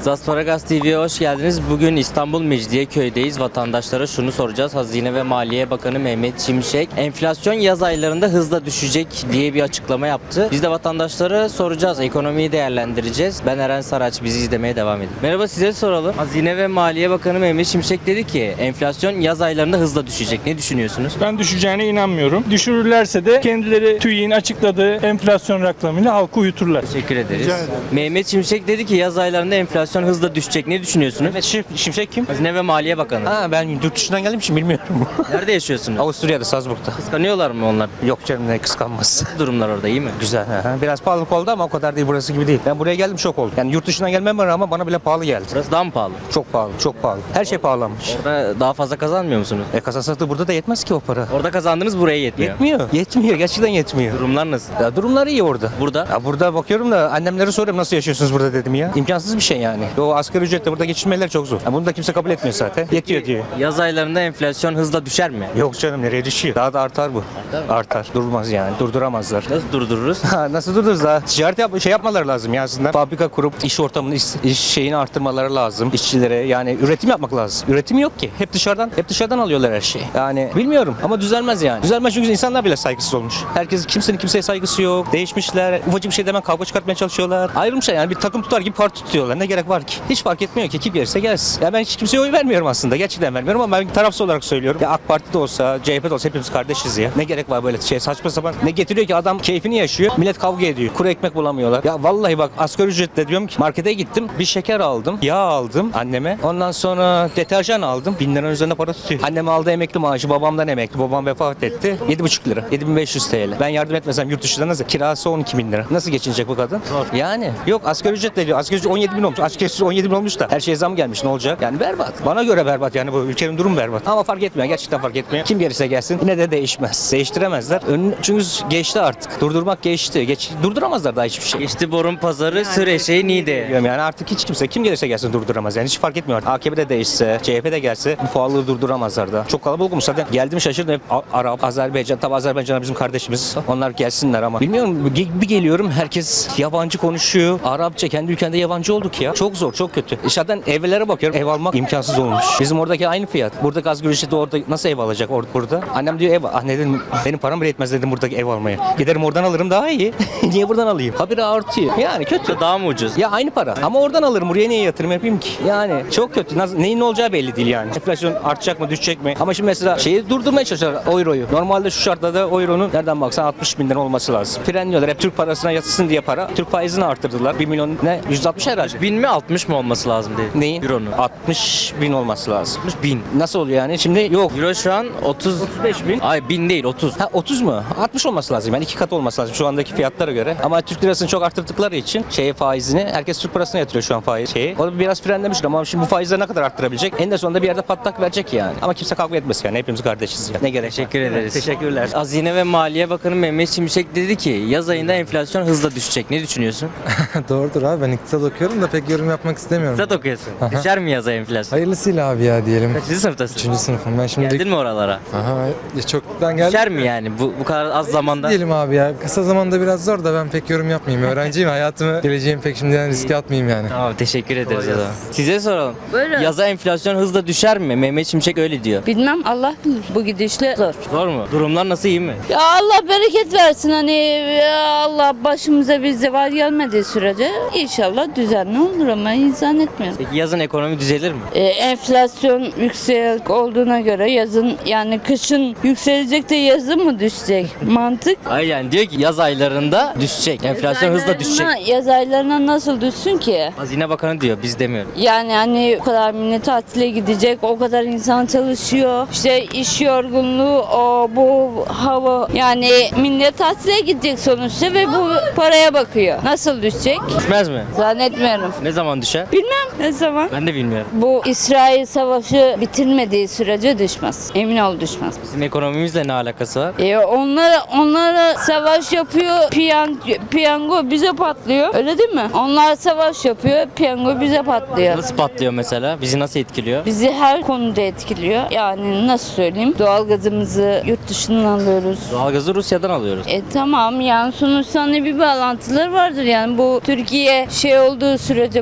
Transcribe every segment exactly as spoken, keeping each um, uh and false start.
Zasparagas T V'ye hoş geldiniz. Bugün İstanbul Mecidiyeköy'deyiz. Vatandaşlara şunu soracağız. Hazine ve Maliye Bakanı Mehmet Şimşek, enflasyon yaz aylarında hızla düşecek diye bir açıklama yaptı. Biz de vatandaşlara soracağız. Ekonomiyi değerlendireceğiz. Ben Eren Saraç. Bizi izlemeye devam edin. Merhaba, size soralım. Hazine ve Maliye Bakanı Mehmet Şimşek dedi ki enflasyon yaz aylarında hızla düşecek. Ne düşünüyorsunuz? Ben düşeceğine inanmıyorum. Düşürürlerse de kendileri TÜİK'in açıkladığı enflasyon rakamıyla halkı uyuturlar. Teşekkür ederiz. Rica ederim. Mehmet Şimşek dedi ki yaz aylarında enflasyon hızla düşecek. Ne düşünüyorsunuz? Mehmet Şim- Şimşek kim? Hazine ve Maliye Bakanı. Ha, ben yurt dışından geldiğim için bilmiyorum. Nerede yaşıyorsunuz? Avusturya'da, Salzburg'da. Kıskanıyorlar mı onlar? Yok canım, ne kıskanmaz. Durumlar orada iyi mi? Güzel. Hı hı. Biraz pahalılık oldu ama o kadar değil, burası gibi değil. Ben buraya geldim, şok oldum. Yani yurt dışından gelmeme rağmen bana bile pahalı geldi. Burası daha mı pahalı? Çok pahalı, çok pahalı. Her şey pahalanmış. Orada daha fazla kazanmıyor musunuz? E kasasatı burada da yetmez ki o para. Orada kazandığınız buraya yetmiyor. Yetmiyor. Yetmiyor. Gerçekten yetmiyor. Durumlar nasıl? Ya durumları iyi orada. Burada? Ya burada bakıyorum da annemlere soruyorum, nasıl yaşıyorsunuz burada dedim ya. İmkansız bir şey yani. O asgari ücretle burada geçinmeler çok zor. Ya bunu da kimse kabul etmiyor zaten. Yetiyor diyor. Yaz aylarında enflasyon hızla düşer mi? Yok canım, nereye düşüyor? Daha da artar bu. Artar. Durmaz yani. Durduramazlar. Nasıl durdururuz? Ha, nasıl durdururuz daha? Ticaret yap şey yapmaları lazım ya aslında. Fabrika kurup iş ortamını, iş, iş şeyini arttırmaları lazım işçilere. Yani üretim yapmak lazım. Üretim yok ki. Hep dışarıdan, hep dışarıdan alıyorlar her şeyi. Yani bilmiyorum ama düzelmez yani. Düzelmez çünkü insanlar bile saygısız olmuş. Herkes, kimsenin kimseye saygısı yok. Değişmişler. Ufacık bir şey demen kavga çıkartmaya çalışıyorlar. Ayrılmışlar yani, bir takım tutar gibi parti tutuyorlar. Ne gerek var ki? Hiç fark etmiyor ki. Kim gelirse gelsin. Ya ben hiç kimseye oy vermiyorum aslında. Gerçekten vermiyorum ama ben tarafsız olarak söylüyorum. Ya AK Parti'de olsa, C H P'de olsa hepimiz kardeşiz ya. Ne gerek var böyle şey, saçma sapan. Ne getiriyor ki, adam keyfini yaşıyor. Millet kavga ediyor. Kuru ekmek bulamıyorlar. Ya vallahi bak, asgari ücretle diyorum ki, markete gittim. Bir şeker aldım. Yağ aldım anneme. Ondan sonra deterjan aldım. Bin liranın üzerinde para tutuyor. Annem aldı emekli maaşı. Babamdan emekli. Babam vefat etti. Yedi buçuk lira. Yedi bin beş yüz T L. Ben yardım etmesem yurt dışında nasıl? Kirası on iki bin lira. Nasıl geçinecek bu kadın? Zor. Yani. Yok, asgari ücretle diyor. Asgari ücret on yedi bin olmuş. Asgari ücret on yedi bin olmuş da. Her şeye zam gelmiş. Ne olacak? Yani berbat. Bana göre berbat. Yani bu ülkenin durumu berbat. Ama fark etmiyor. Gerçekten fark etmiyor. Kim gelirse gelsin. Yine de değişmez. Değiştiremezler. Ön, çünkü geçti artık. Durdurmak geçti. Geç, durduramazlar daha hiçbir şey. Geçti borun pazarı, sır eşeği Niğde. Diyorum yani, artık hiç kimse, kim gelirse gelsin durduramaz. Yani hiç fark etmiyor artık. A K P de değişse, C H P de gelse bu pahalılığı durduramazlar da. Çok kalabalık olmuş zaten. Geldim şaşırdım, hep A- Arap, Azerbaycan. Tabi Azerbaycanlar bizim kardeşimiz. Onlar gelsinler ama. Bilmiyorum, bir geliyorum herkes yabancı konuşuyor. Arapça, kendi ülkende yabancı olduk ya. Çok zor, çok kötü. Zaten evlere bakıyorum. Ev almak imkansız olmuş. Bizim oradaki aynı fiyat. Buradaki asgari ücreti orada nasıl ev alacak or- burada? Annem diyor ev. Ah ne dedim, benim param bile yetmez dedim buradaki ev almaya. Giderim oradan alırım daha iyi. Niye buradan alayım? Habire artıyor. Yani kötü. Daha mı ucuz? Ya aynı para. Ama oradan alırım. Buraya niye yatırım yapayım ki? Yani çok kötü. Nasıl, neyin ne olacağı belli değil yani. Enflasyon artacak mı, düşecek mi? Ama şimdi mesela şeyi durdurmaya çalışıyorlar, euroyu. Normalde şu şartlarda euronun nereden baksan altmış bin lira olması lazım. Frenliyorlar. Hep Türk parasına yatsın diye para. Türk faizini arttırdılar. bir milyon ne? yüz altmış herhalde. Bin mi altmış mı olması lazım dedi. Neyin? Euronun. altmış bin olması lazım. altmış bin. Nasıl oluyor yani? Şimdi yok. Euro şu an otuz. otuz beş bin. Ay bin değil otuz. Ha otuz mu? altmış olması lazım. Yani iki kat olması lazım şu andaki fiyatlara göre. Ama Türk lirasını çok arttırdıkları için şeye faizini, herkes Türk parasına yatırıyor şu an faiz şeyi. O da biraz frenlemiş ama şimdi bu faizleri ne kadar arttırabilecek? En de sonunda bir yerde patlak verecek yani. Ama kimse kavga etmez yani. Hepimiz kardeşiz ya. Ne gerek? Teşekkür ederiz. Teşekkürler. Hazine ve Maliye Bakanı Mehmet Şimşek dedi ki yaz ayında enflasyon hızla düşecek. Ne düşünüyorsun? Doğrudur abi, ben iktisat okuyorum da pek yorum yapmak istemiyorum. İktisat okuyorsun. Aha. Düşer mi yaz ayı enflasyon? Hayırlısıyla abi ya diyelim. Kaçıncı sınıftasın? Üçüncü sınıfım ben şimdi. Geldin mi oralara? Aha, ya çoktan geldim. Düşer mi yani bu bu kadar az zamanda? Diyelim abi ya, kısa zamanda biraz zor da ben pek yorum yapmayayım. Öğrenciyim, hayatımı, geleceğimi pek şimdiden riske atmayayım yani. Tamam, teşekkür ederiz o zaman. Size soralım. Buyurun. Yaza enflasyon hızla düşer mi? Mehmet Şimşek öyle diyor. Bilmem, Allah bilir. Bu gidişle zor. Zor mu? Durumlar nasıl, iyi mi? Ya Allah bereket versin, hani ya Allah başımıza bir zeval gelmediği sürece inşallah düzenli olur ama insan etmiyor. Peki yazın ekonomi düzelir mi? Ee, enflasyon yüksek olduğuna göre yazın, yani kışın yükselecek de yazın mı düşecek? Mantık. Hayır, yani diyor ki yaz aylarında düşecek. Enflasyon hızla düşecek. Yaz aylarına- Yaz aylarına nasıl düşsün ki? Hazine Bakanı diyor, biz demiyoruz. Yani hani o kadar millet tatile gidecek, o kadar insan çalışıyor. İşte iş yorgunluğu, o bu hava. Yani millet tatile gidecek sonuçta ve bu paraya bakıyor. Nasıl düşecek? Düşmez mi? Zannetmiyorum. Ne zaman düşer? Bilmem ne zaman. Ben de bilmiyorum. Bu İsrail savaşı bitirmediği sürece düşmez. Emin ol düşmez. Bizim ekonomimizle ne alakası var? E onlara, onlara savaş yapıyor, piyan, piyango bize patlıyor. Öyle değil mi? Onlar savaş yapıyor, piyango bize patlıyor. Nasıl patlıyor mesela? Bizi nasıl etkiliyor? Bizi her konuda etkiliyor. Yani nasıl söyleyeyim? Doğalgazımızı yurt dışından alıyoruz. Doğalgazı Rusya'dan alıyoruz. E tamam, yani sonuçta hani bir bağlantıları vardır yani. Bu Türkiye şey olduğu sürece, bu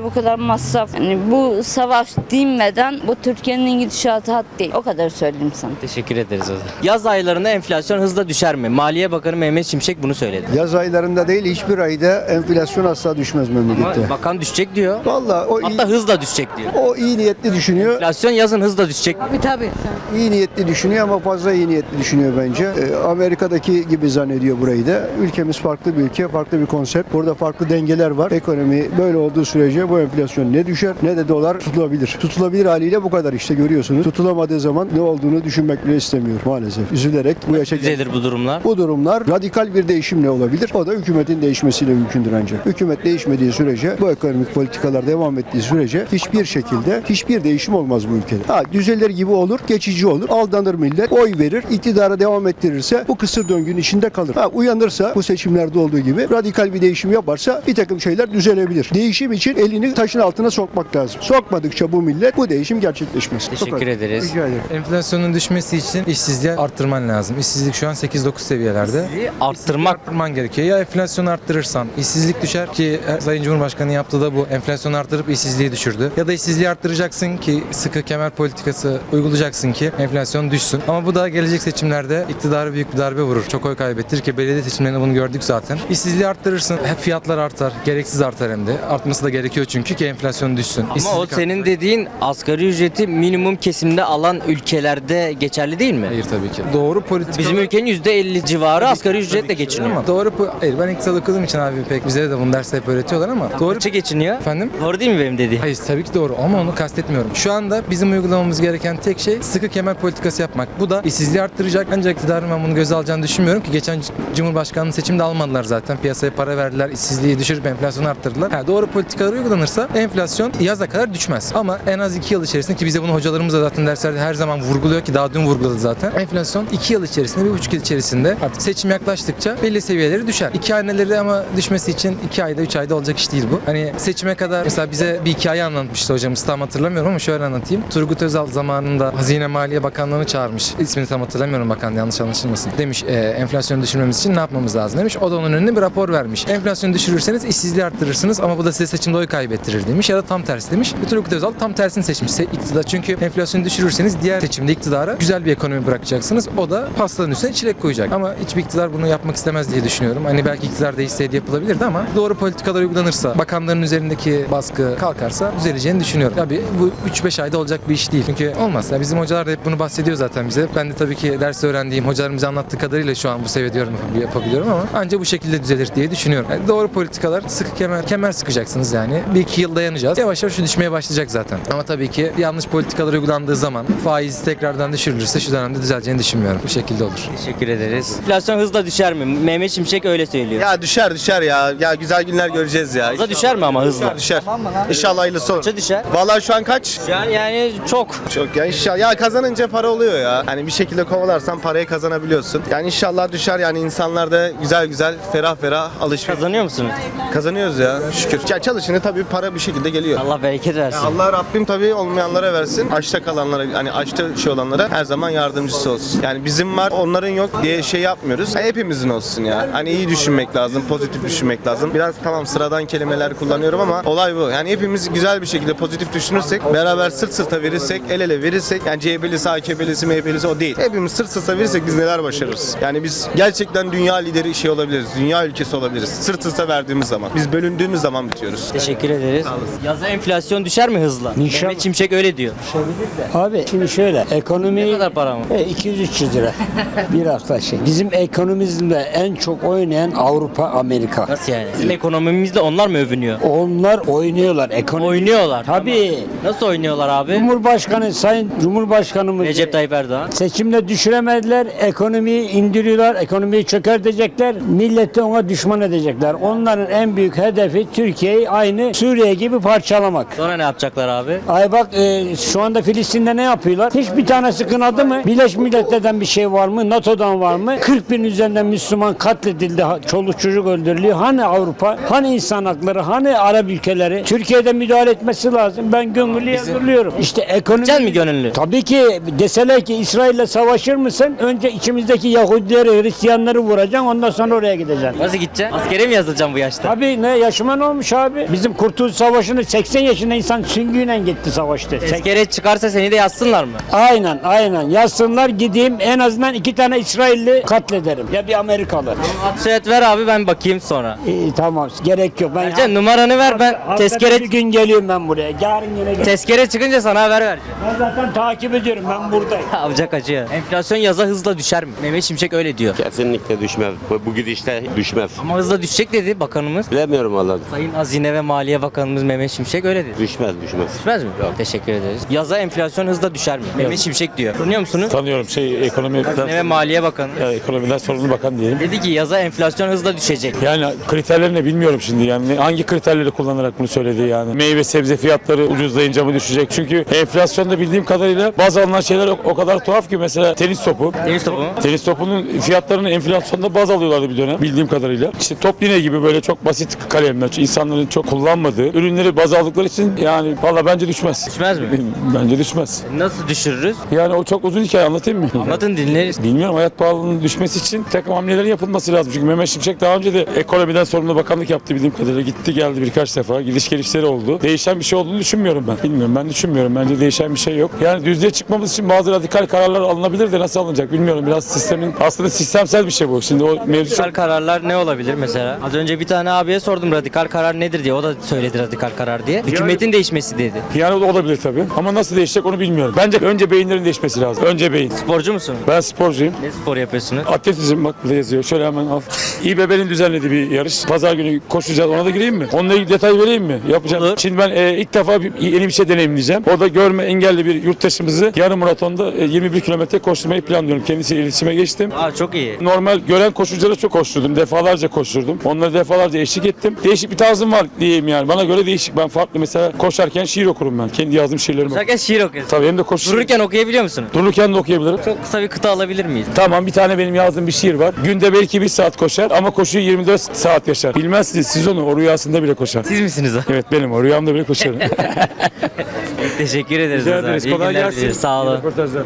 bu kadar masraf. Yani bu savaş dinmeden bu Türkiye'nin gidişatı hat değil. O kadar söyleyeyim sana. Teşekkür ederiz o zaman. Yaz aylarında enflasyon hızla düşer mi? Maliye Bakanı Mehmet Şimşek bunu söyledi. Yaz aylarında değil hiçbir ayda enflasyon asla düşmez memlekette. Ama bakan düşecek diyor. Vallahi o iyi, Hatta hızla düşecek diyor. o iyi niyetli düşünüyor. Enflasyon yazın hızla düşecek. İyi niyetli düşünüyor ama fazla iyi niyetli düşünüyor bence. Ee, Amerika'daki gibi zannediyor burayı da. Ülkemiz farklı bir ülke, farklı bir konsept. Burada farklı dengeler var. Ekonomi böyle olduğu sürece bu enflasyon ne düşer ne de dolar tutulabilir. Tutulabilir haliyle bu kadar işte görüyorsunuz. Tutulamadığı zaman ne olduğunu düşünmek bile istemiyor maalesef. Üzülerek bu yaşa geldik. Düzelir bu durumlar. Bu durumlar radikal bir değişimle olabilir. O da hükümetin değişmesiyle mümkündür ancak. Hükümet değişmediği sürece, bu ekonomik politikalar devam ettiği sürece hiçbir şekilde hiçbir değişim olmaz bu ülkede. Ha, düzelir gibi olur, geçici olur. Aldanır millet, oy verir, iktidara devam ettirirse bu kısır döngünün içinde kalır. Ha, uyanırsa bu seçimlerde olduğu gibi radikal bir değişim yaparsa bir takım şeyler düzelebilir. Değişim için elini taşın altına sokmak lazım. Sokmadıkça bu millet bu değişim gerçekleşmez. Bu Teşekkür kadar. ederiz. Rica ederim. Enflasyonun düşmesi için işsizliği arttırman lazım. İşsizlik şu an sekiz dokuz seviyelerde. Arttırmak. Arttırman gerekiyor. Ya enflasyonu arttırırsan işsizlik düşer ki Sayın Cumhurbaşkanı yaptığı da bu. Enflasyonu arttırıp işsizliği düşürdü. Ya da işsizliği arttıracaksın ki sıkı kemer politikası uygulayacaksın ki enflasyon düşsün. Ama bu da gelecek seçimlerde iktidara büyük bir darbe vurur. Çok oy kaybettirir ki belediye seçimlerinde bunu gördük zaten. İşsizliği arttırırsın. Hep fiyatlar artar. Gereksiz artar hem de. Artması da gerekiyor çünkü ki enflasyon düşsün. Ama o İşsizlik senin artar. dediğin asgari ücreti minimum kesimde alan ülkelerde geçerli değil mi? Hayır tabii ki. Doğru politika. Bizim ülkenin yüzde elli civarı asgari ücretle geçiniyor. Ama doğru po- hayır ben iktisat okuduğum için abi pek bize de bunu derste hep öğretiyorlar ama doğru Kaça geçiniyor? efendim. Doğru değil mi benim dediğim? Hayır tabii ki doğru ama onu kastetmiyorum. Şu anda bizim uygulamamız gereken tek şey sıkı kemer politikası yapmak. Bu da işsizliği arttıracak. Ancak iktidarın ben bunu göze alacağını düşünmüyorum ki geçen Cumhurbaşkanlığı seçimde almadılar zaten. Piyasaya para verdiler, işsizliği düşürüp enflasyonu arttırdılar. Ha, doğru politikalar uygulanırsa enflasyon yaza kadar düşmez. Ama en az iki yıl içerisinde ki bize bunu hocalarımız da zaten derslerde her zaman vurguluyor ki daha dün vurguladı zaten. Enflasyon iki yıl içerisinde, bir buçuk yıl içerisinde artık seçim yaklaştıkça belli seviyeleri düşer. İki haneleri ama düşmesi için iki ayda, üç ayda olacak iş değil bu. Hani seçime kadar mesela bize bir hikaye anlatmıştı hocamız tam hatırlamıyorum ama şöyle anlatayım. Turgut Özal zamanında Hazine Maliye Bakanlığı'nı çağırmış. İsmini tam hatırlamıyorum bakan yanlış anlaşılmasın. Demiş e, enflasyonu düşürmemiz için ne yapmamız lazım demiş. O da onun önüne bir rapor vermiş. Enflasyonu düşürürseniz işsizliği arttırırsınız ama bu da size seçimde oy kaybettirir demiş ya da tam tersi demiş. Ve Turgut Özal tam tersini seçmiş. Se- iktidar çünkü enflasyonu düşürürseniz diğer seçimde iktidara güzel bir ekonomi bırakacaksınız. O da pastanın üstüne çilek koyacak. Ama hiçbir iktidar bunu yapmak istemez diye düşünüyorum. Hani belki iktidar değişseydi yapılabilirdi ama doğru politikalar uygulanırsa, bakanların üzerindeki baskı kalkarsa düzeleceğini düşünüyorum. Tabii bu üç beş ayda olacak bir iş değil. Çünkü olmaz. Ya bizim hocalar da hep bunu bahsediyor zaten bize. Ben de tabii ki ders öğrendiğim, hocalarım bize anlattığı kadarıyla şu an bu seviyede yorum yapabiliyorum ama ancak bu şekilde düzelir diye düşünüyorum. Yani doğru politikalar, sıkı kemer, kemer sıkacaksınız yani. Bir iki yıl dayanacağız. Yavaş yavaş şu düşmeye başlayacak zaten. Ama tabii ki yanlış politikalar uygulandığı zaman faiz tekrardan düşürülürse şu dönemde düzeleceğini düşünmüyorum. Bu şekilde olur. Teşekkür ederiz. Enflasyon hızla düşer mi? Mehmet Şimşek öyle söylüyor. Ya düşer düşer ya. Ya güzel günler göreceğiz ya. Hızla düşer mi ama hızla? Düşer. İnşallah hayırlısı olur. Kaça düşer? Vallahi şu an kaç? Yani, yani çok. Çok ya inşallah. Ya kazanınca para oluyor ya. Hani bir şekilde kovalarsan parayı kazanabiliyorsun. Yani inşallah düşer yani insanlar da güzel güzel ferah ferah alışveriş. Kazanıyor musunuz? Kazanıyoruz ya şükür. Ya çalışını tabii para bir şekilde geliyor. Allah bereket versin. Allah Rabbim tabii olmayanlara versin. Açta kalanlara hani açta şey olanlara her zaman yardımcısı olsun. Yani bizim var onların yok diye şey yapmıyoruz. Yani hepimizin olsun ya. Hani iyi düşünmek lazım, pozitif düşünmek lazım. Biraz tamam sıradan kelimeler kullanıyorum ama olay bu. Yani hepimiz güzel bir şekilde pozitif düşünürsek, beraber sırt sırta verirsek, el ele verirsek yani C H P'lisi, A K P'lisi, M H P'lisi o değil. Hepimiz sırt sırta verirsek biz neler başarırız. Yani biz gerçekten dünya lideri şey olabiliriz. Dünya ülkesi olabiliriz. Sırt sırta verdiğimiz zaman. Biz bölündüğümüz zaman bitiyoruz. Teşekkür ederiz. Yaza enflasyon düşer mi hızla? Mehmet Şimşek öyle diyor. Abi şimdi şöyle Ne ekonomi kadar para mı? e, iki yüz üç yüz lira bir hafta şey. Bizim ekonomimizde en çok oynayan Avrupa, Amerika. Nasıl yani? Bizim ekonomimizle onlar mı övünüyor? Onlar oynuyorlar ekonomi. Oynuyorlar. Tabii. Nasıl oynuyorlar abi? Cumhurbaşkanı, Sayın Cumhurbaşkanımız Recep Tayyip Erdoğan. seçimde düşüremediler, ekonomiyi indiriyorlar, ekonomiyi çökertecekler, milleti ona düşman edecekler. Onların en büyük hedefi Türkiye'yi aynı Suriye gibi parçalamak. Sonra ne yapacaklar abi? Ay bak e, şu anda Filistin'de ne yapıyorlar? Hiçbir tanesi kınadı mı? Birleşmiş Milletler'den bir şey var mı? NATO'dan var mı? kırk bin üzerinden Müslüman katledildi. ha- Çoluk çocuk öldürülüyor. Hani Avrupa? Hani insan hakları? Hani Arap ülkeleri? Türkiye'de müdahale etmesi lazım. Ben gönüllü yazılıyorum. İşte ekonomi... Gideceksin mi gönüllü? Tabii ki deseler ki İsrail'le savaşır mısın? Önce içimizdeki Yahudileri, Hristiyanları vuracaksın. Ondan sonra oraya gideceksin. Nasıl gideceksin? Askere mi yazılacaksın bu yaşta? Tabii ne yaşıma ne olmuş abi? Bizim kurtul Kurtuluş Savaşı'nı seksen yaşında insan süngüyle gitti savaştı. Sek- Tezkere çıkarsa seni de yazsınlar mı? Aynen aynen. Yazsınlar gideyim en azından iki tane İsrailli katlederim. Ya bir Amerikalı. Soyad ver abi, ben bakayım sonra. İyi tamam gerek yok. Ben Ercan numaranı ver, ben Haftada tezkere bir gün geliyorum ben buraya. Yarın yine gel. tezkere çıkınca sana haber vereceğim. Ben zaten takip ediyorum ben buradayım. Avcak acıyor. Enflasyon yaza hızla düşer mi? Mehmet Şimşek öyle diyor. Kesinlikle düşmez. Bu, bu gidişte düşmez. Ama hızla düşecek dedi bakanımız. Bilemiyorum vallahi. Sayın Hazine ve Maliye Bakanımız Mehmet Şimşek öyle dedi. Düşmez düşmez. Düşmez mi? Yok. Teşekkür ederiz. Yaza enflasyon hızla düşer mi? Mehmet Şimşek diyor. Tanıyor musunuz? Tanıyorum şey ekonomi Hazine ve Maliye Bakanı. ya, ekonomiden sorumlu bakan diyelim. Dedi ki yaza enflasyon hızla düşecek. Yani kriterlerini bilmiyorum şimdi yani hangi kriterleri kullanarak bunu söyledi yani. Meyve sebze fiyatları ucuzlayınca mı düşecek? Çünkü enflasyonda bildiğim kadarıyla bazı alınan şeyler o, o kadar tuhaf ki mesela tenis topu. Tenis topu mu? Tenis topunun fiyatlarını enflasyonda baz alıyorlardı bir dönem bildiğim kadarıyla. İşte top yine gibi böyle çok basit kalemler, insanların çok kullanmadığı ürünleri baz aldıkları için yani valla bence düşmez. Düşmez mi? Bence düşmez. Nasıl düşürürüz? Yani o çok uzun hikaye anlatayım mı? Anlatın, dinleriz. Bilmiyorum, hayat pahalılığının düşmesi için bir takım hamlelerin yapılması lazım. Çünkü Mehmet Şimşek daha önce de ekonomiden sorumlu bakanlık yaptı bildiğim kadarıyla. Gitti geldi birkaç defa. Gidiş gelişleri oldu. Değişen bir şey olduğunu düşünmüyorum ben. Bilmiyorum, ben düşünmüyorum. Bence değişen bir şey yok. Yani düzlüğe çıkmamız için bazı radikal kararlar alınabilir de nasıl alınacak bilmiyorum. Biraz sistemin aslında sistemsel bir şey bu. Şimdi o mevzu çok... Radikal kararlar ne olabilir mesela? Az önce bir tane abiye sordum radikal karar nedir diye. O da söyledi radikal karar diye. Hükümetin değişmesi dedi. Yani o da olabilir tabii. Ama nasıl değişecek onu bilmiyorum. Bence önce beyinlerin değişmesi lazım. Önce beyin. Sporcu musun? Ben sporcuyum. Ne spor yapıyorsunuz? Atletizm bak burada yazıyor. Şöyle hemen al. İBB'nin düzenlediği bir yarış. Pazar günü koşacağız. Ona da gireyim mi? Onunla ilgili detay vereyim mi? Yapacağım. Olur. Şimdi ben e, ilk defa bir, yeni bir şey deneyimleyeceğim. Orada görme engelli bir yurttaşımızı yarım maratonda e, yirmi bir kilometre koşturmayı planlıyorum. Kendisiyle iletişime geçtim. Aa, çok iyi. Normal gören koşuculara çok koşturdum. Defalarca koşturdum. Onlara defalarca eşlik ettim. Değişik bir tarzım var diyeyim yani. Bana göre değişik. Ben farklı mesela koşarken şiir okurum ben. Kendi yazdığım şiirlerimi. Şarkı şiir okuyorsun. Tabii hem de koşu. Dururken okuyabiliyor musun? Dururken de okuyabilirim. Çok kısa bir kıta alabilir miyiz? Tamam, bir tane benim yazdığım bir şiir var. Günde belki bir saat koşar ama koşuyu yirmi dört saat yaşar. Bilmezsiniz siz onu, o rüyasında bile koşar. Siz misiniz o? Evet benim, o rüyamda bile koşarım. Teşekkür ederiz. Rica o zaman. ederiz. İyi Kolay günler gelsin. dileriz. Sağ olun. İyi röportajlar.